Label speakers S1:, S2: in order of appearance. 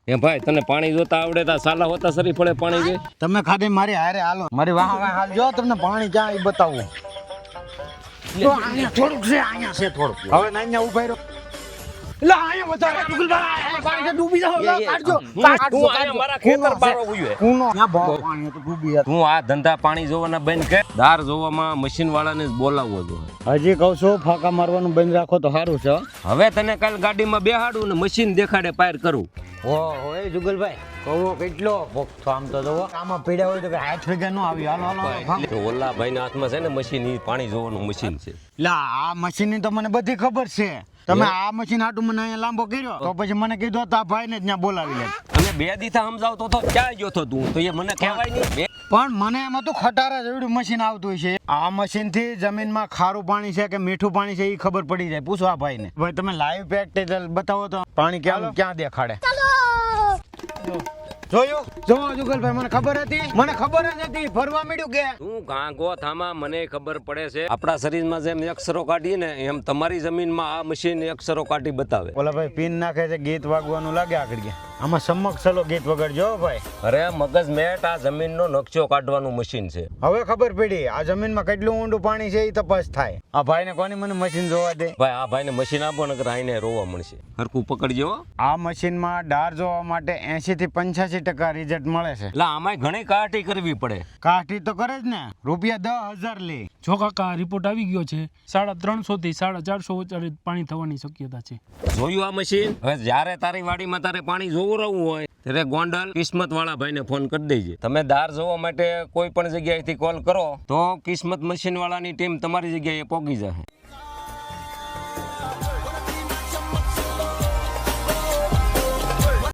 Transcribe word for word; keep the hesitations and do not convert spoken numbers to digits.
S1: એ ભાઈ તને પાણી જોતા આવડે તા સાલા હોતા સરી પડે પાણી જે
S2: તમે ખાલી મારી હારે હાલો મારી વાહ વાહ હાલ જો તમને પાણી ક્યાં ઈ બતાવું તો અહીંયા થોડુંક છે અહીંયા છે થોડુંક હવે ના અહીંયા ઉભા રહ્યો લા અહીંયા બતાવો જુગલભાઈ પાણી કે ડૂબી જાવ લા કાઢજો કાઢજો
S1: આયા મારા ખેતર બારો ઉયો
S2: કુનો ના બહુ પાણી તો ડૂબી જાય
S1: તું આ ધંધા પાણી જોવાના બંધ કર દાર જોવામાં મશીન વાળાને જ બોલાવવો જોઈએ
S2: હજી કહું છું ફાકા મારવાનું બંધ રાખો તો સારું છે
S1: હવે તને કાલ ગાડીમાં બેહાડું ને મશીન દેખાડે પાર કરું
S2: ઓહો એ જુગલભાઈ કહો કેટલો ભોગતો આમ તો જોવો આમાં પીડ્યા હોય તો કે હાથ ભેગા ન આવી હાલો હાલો
S1: તો ઓલા ભાઈના હાથમાં છે ને મશીન ઈ પાણી જોવાનું મશીન છે
S2: લા આ મશીન ની તો મને બધી ખબર છે તમે આ મશીન આટું મને અહીંયા લાંબો કર્યો તો પછી મને કીધું તો આ ભાઈ ને ત્યાં બોલાવી લે
S1: અને બે દીથા સમજાવતો તો ક્યાં ગયો તો તું તો એ મને કહેવાય નહીં
S2: પણ મને એમાં તો ખટારા જેવડું મશીન આવતું છે આ મશીન થી જમીનમાં ખારું પાણી છે કે મીઠું પાણી છે એ ખબર પડી જાય પૂછો આ ભાઈ ને ભાઈ તમે લાઈવ પ્રેક્ટિકલ બતાવો તો પાણી ક્યાં ક્યાં દેખાડે જોયું જો જુગલભાઈ મને ખબર હતી મને ખબર જ હતી ફરવા મળ્યું કે
S1: તું ગાંગો થામા મને ખબર પડે છે આપણા શરીરમાં જેમ અક્ષરો કાઢીએ ને એમ તમારી જમીનમાં આ મશીન અક્ષરો કાઢી બતાવે
S2: ઓલા ભાઈ પિન નાખે છે ગીત વાગવાનું લાગે આગળ ગયા આમાં સમક્ષ ચલો ગીત વગાડજો ભાઈ
S1: અરે મગજ મેટ આ જમીનનો નકશો કાઢવાનું મશીન છે
S2: હવે ખબર પડી આ જમીનમાં કેટલું ઊંડું પાણી છે એ તપાસ થાય આ ભાઈ ને કોની મને મશીન જોવા દે
S1: ભાઈ આ ભાઈને મશીન આપો ને આઈને રોવા મળશે હરકું પકડજો
S2: આ મશીનમાં ડાર જોવા માટે એસી થી પંચ્યાસી ટકા રિઝલ્ટ મળે છે
S1: એટલે આમાં ઘણી કાઠી કરવી પડે
S2: કાઠી તો કરે જ ને રૂપિયા દસ હજાર લે
S3: જો કાકા રિપોર્ટ આવી ગયો છે સાડા ત્રણસો થી સાડા ચારસો વચ્ચે પાણી થવાની શક્યતા છે
S1: જોયું આ મશીન હવે જ્યારે તારી વાડીમાં તારે પાણી જોવું રહેવું હોય ત્યારે ગોંડલ કિસ્મત વાળા ભાઈને ફોન કરી દેજે તમે દાર જોવા માટે કોઈ પણ જગ્યાએથી કોલ કરો તો કિસ્મત મશીન વાળાની ટીમ તમારી જગ્યાએ પહોંચી જશે